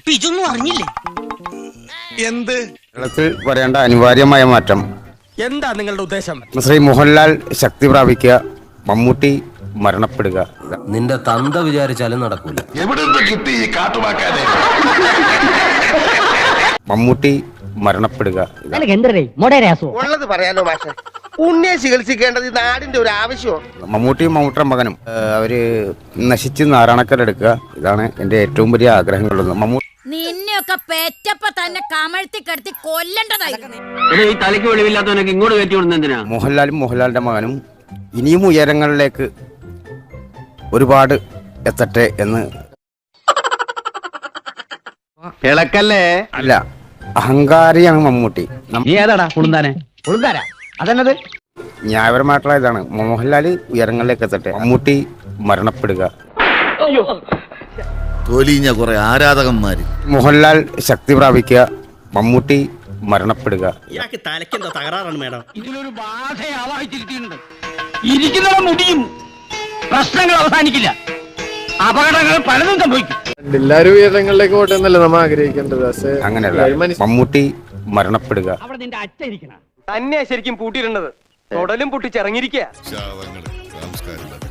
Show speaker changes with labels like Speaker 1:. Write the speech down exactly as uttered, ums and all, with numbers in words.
Speaker 1: അപ്പൊ ഇതൊന്നും അറിഞ്ഞില്ലേ?
Speaker 2: എന്ത്
Speaker 3: കേരളത്തിൽ വരേണ്ട അനിവാര്യമായ മാറ്റം.
Speaker 4: എന്താ നിങ്ങളുടെ ഉദ്ദേശം?
Speaker 3: ശ്രീ മോഹൻലാൽ ശക്തി പ്രാപിക്കുക, മമ്മൂട്ടി മരണപ്പെടുക.
Speaker 5: നിന്റെ തന്ത വിചാരിച്ചാലും നടക്കൂല.
Speaker 2: എവിടുന്ന് കിട്ടി ഈ കാട്ടുവാക്കാനെ?
Speaker 3: മമ്മൂട്ടി മരണപ്പെടുക.
Speaker 6: ഉള്ളത് പറയാലോ മാഷെ, ഉണ്ണിയെ ചികിത്സിക്കേണ്ടത് ഈ നാടിന്റെ ഒരു ആവശ്യമോ?
Speaker 3: മമ്മൂട്ടിയും മമ്മൂട്ടിയുടെ മകനും ഏഹ്, അവര് നശിച്ച് നാരായണക്കരെടുക്കുക. ഇതാണ് എന്റെ ഏറ്റവും വലിയ ആഗ്രഹങ്ങളുള്ളത്. മമ്മൂ
Speaker 7: നിന്നെയൊക്കെ പെറ്റപ്പ തന്നെ കമഴ്ത്തി കിടത്തി കൊല്ലണ്ടതായിരുന്നു.
Speaker 8: ഈ തലയ്ക്ക് വെളിവില്ലാത്തവനൊക്കെ ഇങ്ങോട്ട് കയറ്റി വിടുന്ന എന്തിനാ?
Speaker 3: മോഹൻലാലും മോഹൻലാലിന്റെ മകനും ഇനിയും ഉയരങ്ങളിലേക്ക് ഒരുപാട് എത്തട്ടെ എന്ന്.
Speaker 8: ഇളക്കല്ലേ?
Speaker 3: അല്ല, അഹങ്കാരിയാണ് മമ്മൂട്ടി. നം-
Speaker 8: നീ ഏതാടാ കുളുന്താനെ?
Speaker 4: അതന്നത്
Speaker 3: ന്യായപരമായിട്ടുള്ള ഇതാണ്. മോഹൻലാല് ഉയരങ്ങളിലേക്ക് എത്തട്ടെ, മമ്മൂട്ടി മരണപ്പെടുക.
Speaker 9: തൊലിഞ്ഞ കുറെ ആരാധകന്മാര്.
Speaker 3: മോഹൻലാൽ ശക്തി പ്രാപിക്കുക, മമ്മൂട്ടി മരണപ്പെടുക.
Speaker 4: ഇയാൾക്ക് തലയ്ക്കെന്താ തകരാറാണ് മേഡം?
Speaker 8: ഇതിലൊരു ബാധ ആവാഹിച്ചിരിക്കുന്നുണ്ട്. ഇരിക്കുന്നവ മുടിയും. പ്രശ്നങ്ങൾ അവസാനിക്കില്ല. അപകടങ്ങൾ പലതും സംഭവിക്കും.
Speaker 10: എല്ലാരും ഉയരങ്ങളിലേക്ക് പോട്ടെ എന്നല്ലേ നമ്മ ആഗ്രഹിക്കേണ്ടത്.
Speaker 3: അങ്ങനെയല്ല, മമ്മൂട്ടി മരണപ്പെടുക.
Speaker 8: അവിടെ നിന്റെ അച്ഛൻ ഇരിക്കണം.
Speaker 4: തന്നെ ശരിക്കും പൂട്ടിയിട്ടുണ്ടത് തൊടലും പൊട്ടിച്ചിറങ്ങിയിരിക്കുക.
Speaker 2: ശാവങ്ങള് സംസ്കാരമില്ല.